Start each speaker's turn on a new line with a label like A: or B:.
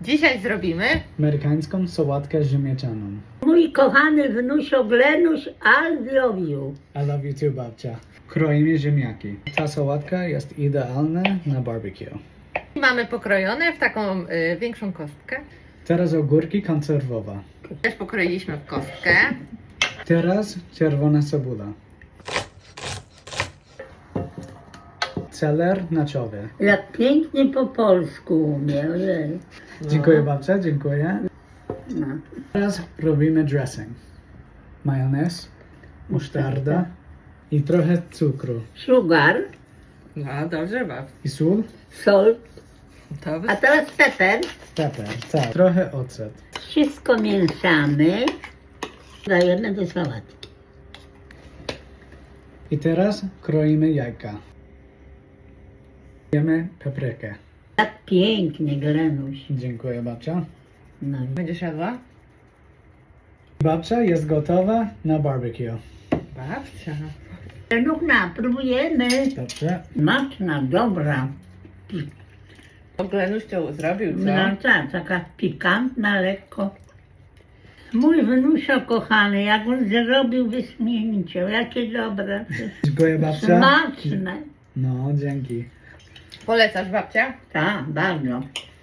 A: Dzisiaj zrobimy
B: amerykańską sałatkę ziemniaczaną.
C: Mój kochany wnusio Glenuś, I love you.
B: I love you too, babcia. Kroimy ziemniaki. Ta sałatka jest idealna na barbecue.
A: mamy pokrojone w taką większą kostkę.
B: Teraz ogórki konserwowe.
A: Też pokroiliśmy w kostkę.
B: Teraz czerwona cebula. Celer naczowy.
C: Jak pięknie po polsku umie, ojej.
B: Dziękuję babcia, dziękuję.
C: No.
B: Teraz robimy dressing. Majonez, musztarda i trochę cukru.
C: Sugar,
A: No dobrze, bab.
B: I sól,
C: salt,
A: To
C: a teraz pepper.
B: pepper, tak. Trochę ocet.
C: Wszystko mieszamy. Dajemy do sałatki.
B: I teraz kroimy jajka. Dajemy paprykę.
C: Tak pięknie, Glenuś.
B: Dziękuję babcia.
C: No.
A: Będziesz jadła?
B: Babcia jest gotowa na barbecue.
A: Babcia.
C: Glenuchna, próbujemy.
B: Dobrze.
C: Smaczna, dobra.
A: Glenuś to zrobił, co?
C: No tak, taka pikantna, lekko. Mój wnusio kochany, jak on zrobił wyśmienicie, jakie dobre.
B: Dziękuję babcia.
C: Smaczne.
B: No, dzięki.
A: Polecasz, babcia?
C: Tak, bardzo.